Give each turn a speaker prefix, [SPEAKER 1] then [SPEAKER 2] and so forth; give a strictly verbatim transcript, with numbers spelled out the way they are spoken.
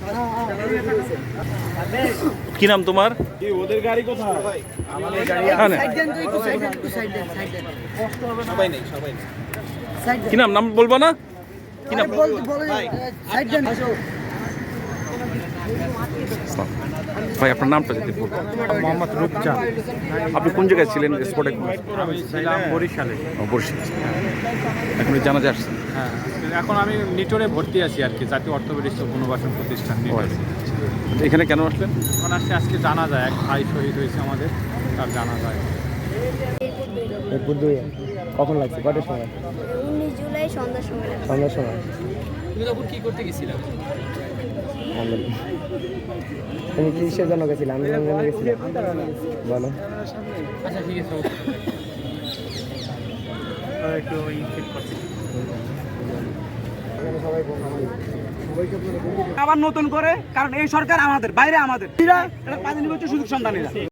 [SPEAKER 1] কি নাম তোমার?
[SPEAKER 2] ওদের গাড়ি কোথায়?
[SPEAKER 3] আমাদের গাড়ি সবাই নেই সবাই নেই।
[SPEAKER 1] কি নাম? নাম বলবো না? কি নাম? ভাই আপনার নামটা যদি বলবেন।
[SPEAKER 2] মোহাম্মদ রূপচাঁদ।
[SPEAKER 1] আপনি কোন জায়গায় ছিলেন স্পটে?
[SPEAKER 2] আমি ছিলাম বরিশালে।
[SPEAKER 1] বরিশাল। এখন জানাজা আসছেন?
[SPEAKER 2] হ্যাঁ, এখন আমি নিটোরে ভর্তি আছি আর কি, জাতীয় অর্থনৈতিক পুনর্বাসন প্রতিষ্ঠান নিটোরে।
[SPEAKER 1] এখানে কেন আসলেন?
[SPEAKER 2] এখন আসছে আজকে জানা যায়, এক ভাই শহীদ হয়েছে আমাদের, তার জানা যায়।
[SPEAKER 4] কখন লাগছে? কটার সময়?
[SPEAKER 5] উনিশ জুলাই সন্ধ্যার সময়।
[SPEAKER 4] সন্ধ্যার সময়।
[SPEAKER 3] তুমি তখন কি করতে গেছিলা?
[SPEAKER 4] তুমি কিসের জন্য গেছিলে? আন্দোলন জন্য গেছিলে? বলো।
[SPEAKER 3] আচ্ছা ঠিক আছে।
[SPEAKER 2] একটু ঠিক করছি।
[SPEAKER 6] আবার নতুন করে, কারণ এই সরকার আমাদের বাইরে, আমাদের সুযোগ সন্ধানীরা।